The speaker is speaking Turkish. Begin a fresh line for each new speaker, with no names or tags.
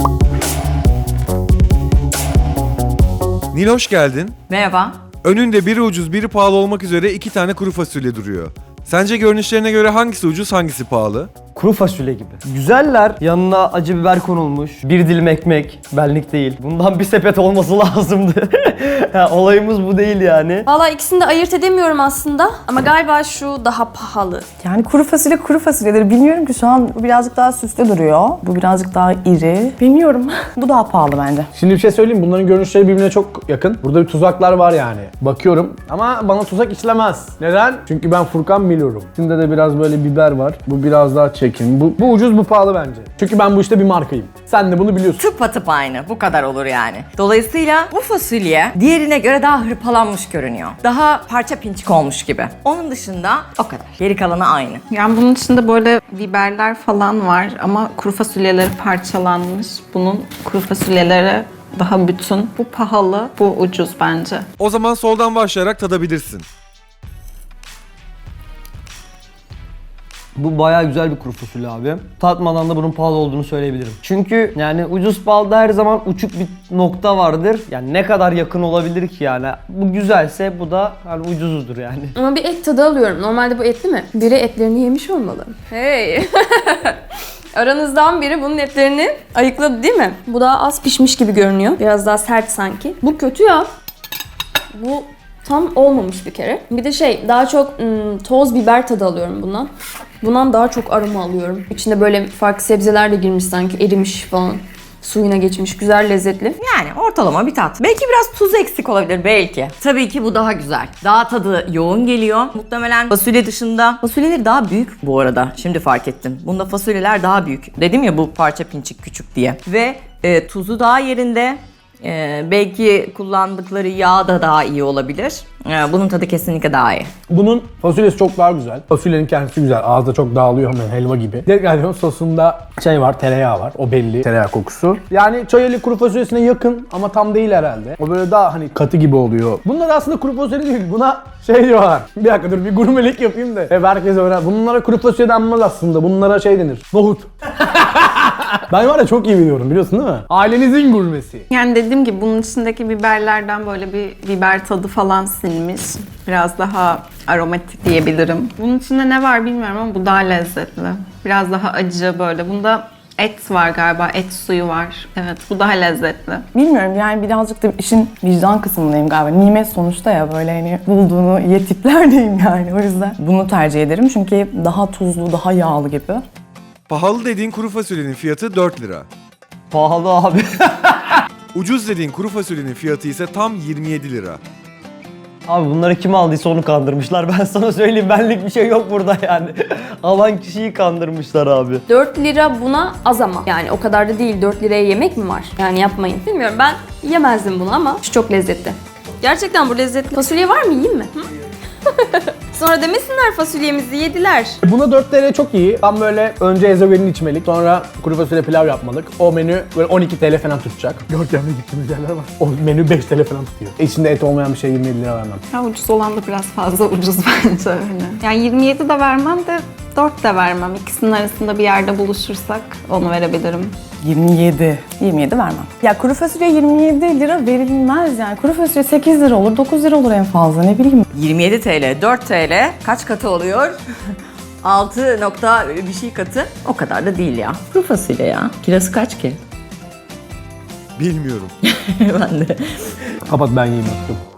Nil hoş geldin.
Merhaba.
Önünde biri ucuz biri pahalı olmak üzere 2 tane kuru fasulye duruyor. Sence görünüşlerine göre hangisi ucuz hangisi pahalı?
Kuru fasulye gibi. Güzeller. Yanına acı biber konulmuş. Bir dilim ekmek. Benlik değil. Bundan bir sepet olması lazımdı. Olayımız bu değil yani.
Valla ikisini de ayırt edemiyorum aslında ama galiba şu daha pahalı.
Yani kuru fasulyedir. Bilmiyorum ki şu an bu birazcık daha süslü duruyor. Bu birazcık daha iri. Bilmiyorum. Bu daha pahalı bence.
Şimdi bir şey söyleyeyim, bunların görünüşleri birbirine çok yakın. Burada bir tuzaklar var yani. Bakıyorum ama bana tuzak işlemez. Neden? Çünkü ben Furkan biliyorum. Şimdi de biraz böyle biber var. Bu biraz daha çekin. Bu ucuz, bu pahalı bence. Çünkü ben bu işte bir markayım. Sen de bunu biliyorsun.
Tıpatıp aynı. Bu kadar olur yani. Dolayısıyla bu fasulye diğerine göre daha hırpalanmış görünüyor. Daha parça pinçik olmuş gibi. Onun dışında o kadar. Geri kalanı aynı.
Yani bunun içinde böyle biberler falan var ama kuru fasulyeleri parçalanmış. Bunun kuru fasulyeleri daha bütün. Bu pahalı, bu ucuz bence.
O zaman soldan başlayarak tadabilirsin.
Bu bayağı güzel bir kuru fasulye abi. Tatmadan da bunun pahalı olduğunu söyleyebilirim. Çünkü yani ucuz pahalıda her zaman uçuk bir nokta vardır. Yani ne kadar yakın olabilir ki yani. Bu güzelse bu da hani ucuzudur yani.
Ama bir et tadı alıyorum. Normalde bu etli mi? Biri etlerini yemiş olmalı. Hey! Aranızdan biri bunun etlerini ayıkladı değil mi? Bu daha az pişmiş gibi görünüyor. Biraz daha sert sanki. Bu kötü ya. Bu tam olmamış bir kere. Bir de daha çok toz biber tadı alıyorum bundan. Bundan daha çok aroma alıyorum. İçinde böyle farklı sebzeler de girmiş sanki, erimiş falan. Suyuna geçmiş, güzel, lezzetli.
Yani ortalama bir tat. Belki biraz tuz eksik olabilir belki. Tabii ki bu daha güzel. Daha tadı yoğun geliyor. Muhtemelen fasulye dışında. Fasulyeleri daha büyük bu arada. Şimdi fark ettim. Bunda fasulyeler daha büyük. Dedim ya bu parça pinçik küçük diye. Ve tuzu daha yerinde. Belki kullandıkları yağ da daha iyi olabilir. Bunun tadı kesinlikle daha iyi.
Bunun fasulyesi çok daha güzel. Fasulyenin kendisi güzel. Ağızda çok dağılıyor hemen, helva gibi. Diğer sosunda var, tereyağı var. O belli. Tereyağı kokusu. Yani çayeli kuru fasulyesine yakın ama tam değil herhalde. O böyle daha hani katı gibi oluyor. Bunlar aslında kuru fasulye değil. Buna diyorlar. Bir dakika dur, bir gurmelik yapayım da. Hep herkes öğren. Bunlara kuru fasulye denmez aslında. Bunlara denir. Nohut. Ben var ya çok iyi biliyorum, biliyorsun değil mi? Ailenizin gurmesi.
Yani dediğim gibi bunun içindeki biberlerden böyle bir biber tadı falan sinmiş. Biraz daha aromatik diyebilirim. Bunun içinde ne var bilmiyorum ama bu daha lezzetli. Biraz daha acı böyle. Bunda et var galiba, et suyu var. Evet, bu daha lezzetli.
Bilmiyorum yani birazcık da işin vicdan kısmındayım galiba. Nimet sonuçta ya böyle hani bulduğunu ye tiplerdeyim yani. O yüzden bunu tercih ederim çünkü daha tuzlu, daha yağlı gibi.
Pahalı dediğin kuru fasulyenin fiyatı 4 lira.
Pahalı abi.
Ucuz dediğin kuru fasulyenin fiyatı ise tam 27 lira.
Abi bunları kim aldıysa onu kandırmışlar. Ben sana söyleyeyim, benlik bir şey yok burada yani. Alan kişiyi kandırmışlar abi.
4 lira buna az ama. Yani o kadar da değil. 4 liraya yemek mi var? Yani yapmayın. Bilmiyorum, ben yemezdim bunu ama şu çok lezzetli. Gerçekten bu lezzetli. Fasulye var mı? Yiyeyim mi? Hı? Sonra demesinler fasulyemizi yediler.
Buna 4 TL çok iyi. Tam böyle önce ezogelin içmelik, sonra kuru fasulye pilav yapmalık. O menü böyle 12 TL falan tutacak. Görkem'de gittiğimiz yerler var. O menü 5 TL falan tutuyor. İçinde et olmayan bir şey 27 lira vermem.
Ya ucuz olan da biraz fazla ucuz bence öyle. Yani 27 de vermem de 4 de vermem. İkisinin arasında bir yerde buluşursak onu verebilirim.
27 vermem. Ya kuru fasulye 27 lira verilmez yani. Kuru fasulye 8 lira olur, 9 lira olur en fazla, ne bileyim.
27 TL, 4 TL kaç katı oluyor? 6 nokta bir şey katı. O kadar da değil ya. Kuru fasulye ya. Kilosu kaç ki?
Bilmiyorum.
Ben de.
Kapat, ben yiyeyim artık.